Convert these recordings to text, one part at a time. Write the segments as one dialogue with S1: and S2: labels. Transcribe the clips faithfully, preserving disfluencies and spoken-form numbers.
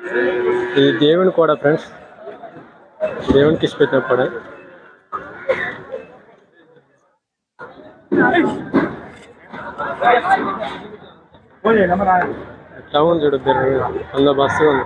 S1: ఇది దేవుని కూడా ఫ్రెండ్స్, దేవునికి ఇచ్చి పెట్టిన కూడా. టౌన్ చూడు అంత బస్సు ఉంది.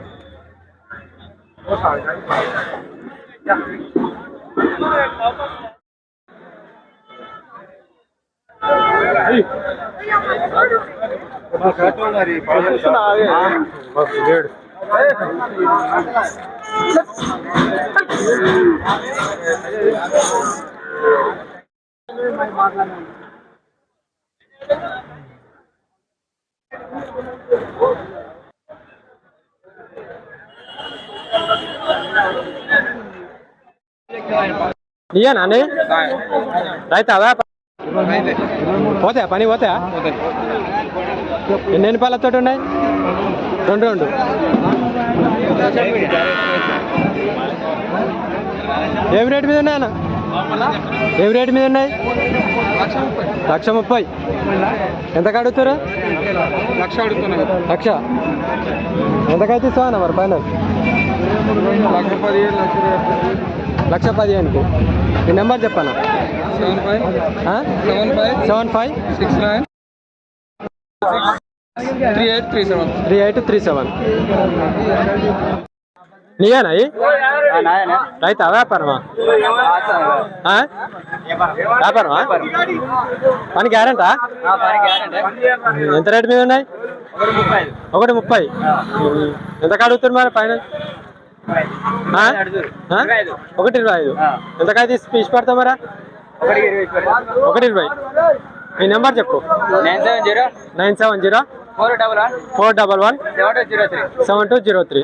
S1: నీయా నాని రైతా పోతాయా పని పోతాయా? ఎన్ని ఎన్ని పాలతో ఉన్నాయి? రెండు రెండు ఏం రేటు మీద ఉన్నాయన్న? ఏం రేటు మీద ఉన్నాయి? లక్ష ముప్పై. ఎంతకు అడుగుతారు? లక్ష అడుగుతున్నారు. లక్ష ఎంతకైతే ఇస్తావా మరి పైన? లక్ష పదిహేను లక్ష పదిహేనుకు. ఈ నెంబర్ చెప్పానా? Seven five seven five seven five six nine three eight three seven three eight three seven. నీయేనా రైతా? వ్యాపారమా? వ్యాపారమా? పని గ్యారెంటా? ఎంత రేటు మీద ఉన్నాయి? ఒకటి ముప్పై. ఎంతకు అడుగుతారు మరి పైన? ఒకటి ఇరవై ఐదు. ఎంతకైతే ఇచ్చి పడతావు మరా? ఒకటి ఇరవై. ఈ నెంబర్ చెప్పు. Nine seven zero nine seven zero four double one four double one seven two zero three seven two zero three.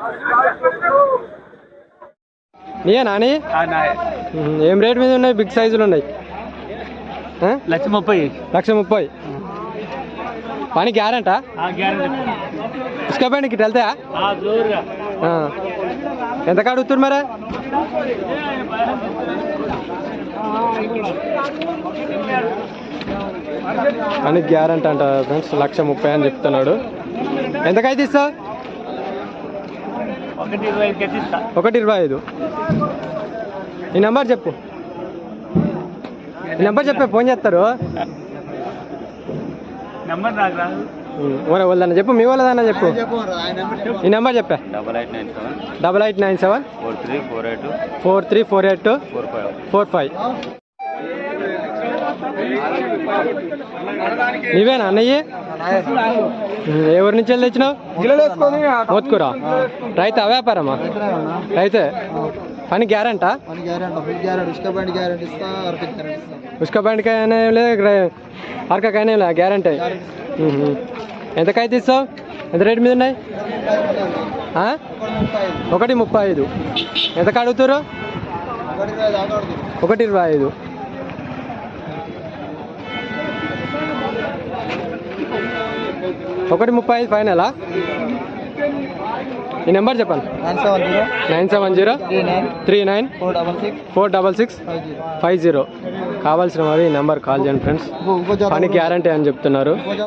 S1: నీయే నాని? ఏం రేట్ మీద ఉన్నాయి? బిగ్ సైజులు ఉన్నాయి. లక్ష ముప్పై. లక్ష ముప్పై. పని గ్యారెంటా? ఇసుక బండికి ఇటు వెళ్తాయా? ఎంతకు అడుగుతున్నారు మరి? అని గ్యారెంటీ అంట ఫ్రెండ్స్. లక్ష ముప్పై అని చెప్తున్నాడు. ఎంతకైతే ఇస్తావు? ఒకటి ఇరవై ఐదు. ఈ నెంబర్ చెప్పు. ఈ నెంబర్ చెప్పే ఫోన్ చేస్తారు. వాళ్ళదన్నా చెప్పు, మీ వాళ్ళదన్నా చెప్పు. ఈ నెంబర్ చెప్పా. Double eight nine seven double eight nine seven four three four eight four three four eight four five four five. నీవేనా అన్నయ్య? ఎవరి నుంచి వెళ్ళి తెచ్చినావు? మోత్కూరా. రైతా వ్యాపారమా? రైతే. పని గ్యారెంటా? ఉస్కా బండికైనా ఏం లేదు, అరకకైనా ఏం లేదు, గ్యారెంటీ. ఎంతకైతే ఇస్తావు? ఎంత రేటు మీద ఉన్నాయి? ఒకటి ముప్పై ఐదు. ఎంతకు అడుగుతారు? ఒకటి ఇరవై ఐదు. ఒకటి ముప్పై ఐదు ఫైనలా? ఈ నెంబర్ చెప్పండి. Nine seven zero three nine four double six five zero. కావాల్సిన వారు ఈ నెంబర్ కాల్ చేయండి ఫ్రెండ్స్. పని గ్యారంటీ అని చెప్తున్నారు.